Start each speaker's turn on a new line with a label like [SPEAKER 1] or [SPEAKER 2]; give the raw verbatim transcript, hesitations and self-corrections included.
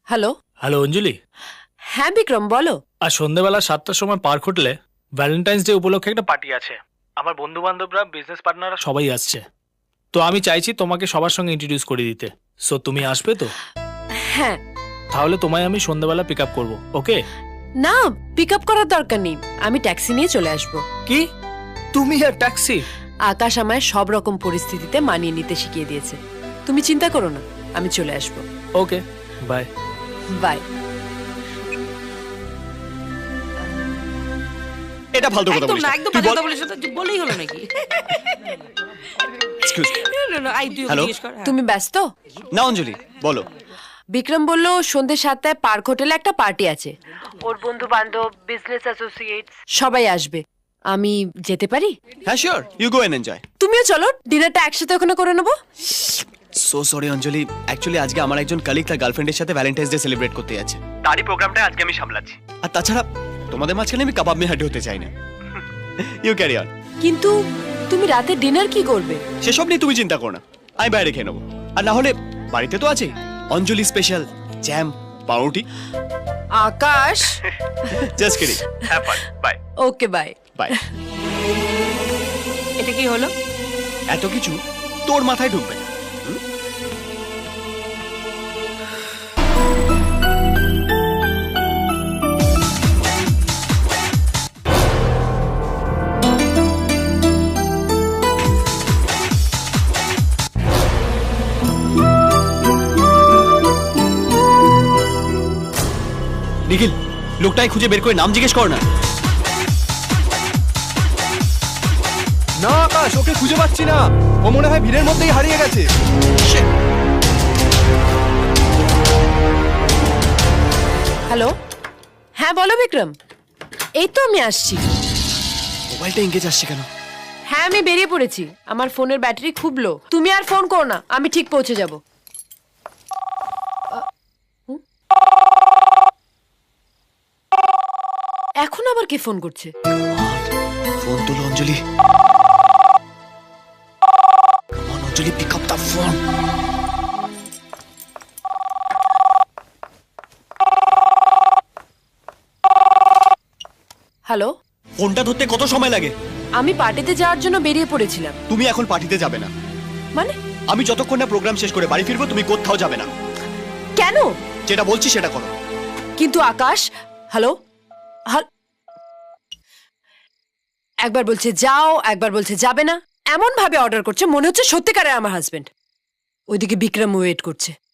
[SPEAKER 1] Hello.
[SPEAKER 2] Hello অঞ্জলি।
[SPEAKER 1] হ্যাঁ বিক্রম, বলো।
[SPEAKER 2] আর সন্ধ্যেবেলা সাতটার সময় পার্ক হোটেলে ভ্যালেন্টাইন্স ডে উপলক্ষে একটা পার্টি আছে। আমার বন্ধু বান্ধবরা, বিজনেস পার্টনাররা সবাই আসছে। তো আমি চাইছি তোমাকে সবার সঙ্গে ইন্ট্রোডিউস করে দিতে। সো তুমি আসবে তো?
[SPEAKER 1] হ্যাঁ।
[SPEAKER 2] তাহলে তোমায় আমি সন্ধ্যেবেলা পিক আপ করবো, ওকে?
[SPEAKER 1] না, পিক আপ করার দরকার নেই, আমি ট্যাক্সি নিয়ে চলে আসবো।
[SPEAKER 2] কি তুমি আর ট্যাক্সি?
[SPEAKER 1] আকাশ আমায় সব রকম পরিস্থিতিতে মানিয়ে নিতে শিখিয়ে দিয়েছে। তুমি চিন্তা করো না, আমি চলে আসবো।
[SPEAKER 2] Okay, bye.
[SPEAKER 1] বাই।
[SPEAKER 3] এটা ফালতু কথা
[SPEAKER 4] একদম
[SPEAKER 3] বলিস
[SPEAKER 4] না,
[SPEAKER 3] না।
[SPEAKER 4] একদম
[SPEAKER 3] তুই
[SPEAKER 4] বাজে
[SPEAKER 3] বল।
[SPEAKER 4] কথা বলিস না, তুই বলেই হলো নাকি?
[SPEAKER 3] Excuse me.
[SPEAKER 4] না, না, না, আই তুই ওকে
[SPEAKER 3] Hello?
[SPEAKER 4] জিজ্ঞেস কর। হ্যাঁ।
[SPEAKER 1] তুমি ব্যস্ত?
[SPEAKER 3] না অঞ্জলি, বলো।
[SPEAKER 1] বিক্রম বলল সন্ধ্যে সাতটায় পার্ক হোটেলে একটা পার্টি আছে। ওর বন্ধু বান্ধব, বিজনেস অ্যাসোসিয়েটস সবাই আসবে। আমি যেতে পারি?
[SPEAKER 3] হ্যাঁ sure, you go and enjoy.
[SPEAKER 1] তুমিও চলো, ডিনারটা একসাথে ওখানে করে নেবো।
[SPEAKER 3] সো সরি অঞ্জলি, অ্যাকচুয়ালি আজকে আমার একজন কলিগ তার গার্লফ্রেন্ডের সাথে ভ্যালেন্টাইন্স ডে সেলিব্রেট করতে যাচ্ছে। তারই প্রোগ্রামটা আজকে আমি সামলাচ্ছি। আর তাছাড়া তোমাদের মাঝখানে আমি কাবাব মে হাড্ডি হতে চাই না। You carry on.
[SPEAKER 1] কিন্তু তুমি রাতে ডিনার কি করবে?
[SPEAKER 3] সেসব নিয়ে তুমি চিন্তা করো না, আমি বাইরে খেয়ে নেবো। আর না হলে বাড়িতে তো আছে অঞ্জলি স্পেশাল জ্যাম, পাউরুটি।
[SPEAKER 1] Akash.
[SPEAKER 3] Just kidding. Have fun. Bye.
[SPEAKER 1] Okay, bye.
[SPEAKER 3] Bye.
[SPEAKER 4] এটা কি হলো?
[SPEAKER 3] এত কিছু তোর মাথায় ঢুকবে না। নিখিল, লোকটাই খুঁজে বের করে নাম জিজ্ঞেস কর না।
[SPEAKER 5] না আকাশ, ওকে খুঁজে পাচ্ছি না। ও মনে হয় ভিড়ের মধ্যেই হারিয়ে গেছে।
[SPEAKER 1] হ্যালো। হ্যাঁ বলো বিক্রম। এই তো আমি আসছি।
[SPEAKER 3] মোবাইলটা এঙ্গেজ আসছে কেন?
[SPEAKER 1] হ্যাঁ আমি বেরিয়ে পড়েছি, আমার ফোনের ব্যাটারি খুব লো। তুমি আর ফোন করো না, আমি ঠিক পৌঁছে যাব। এখন আবার কে ফোন করছে?
[SPEAKER 3] ফোন তুলো Anjali. Come on, Anjali, pick up the phone.
[SPEAKER 1] Hello.
[SPEAKER 3] ফোনটা ধরতে কত সময় লাগে?
[SPEAKER 1] আমি পার্টিতে যাওয়ার জন্য বেরিয়ে পড়েছিলাম।
[SPEAKER 3] তুমি এখন পার্টিতে যাবে না।
[SPEAKER 1] মানে?
[SPEAKER 3] আমি যতক্ষণ না প্রোগ্রাম শেষ করে বাড়ি ফিরবো তুমি কোথাও যাবে না।
[SPEAKER 1] কেন?
[SPEAKER 3] যেটা বলছি সেটা করো।
[SPEAKER 1] কিন্তু আকাশ। হ্যালো। হাল- একবার বলছে যাও, একবার বলছে যাবে না। এমন ভাবে অর্ডার করছে মনে হচ্ছে সত্যিকারের আমার হাজবেন্ড। ওইদিকে বিক্রম ওয়েট করছে।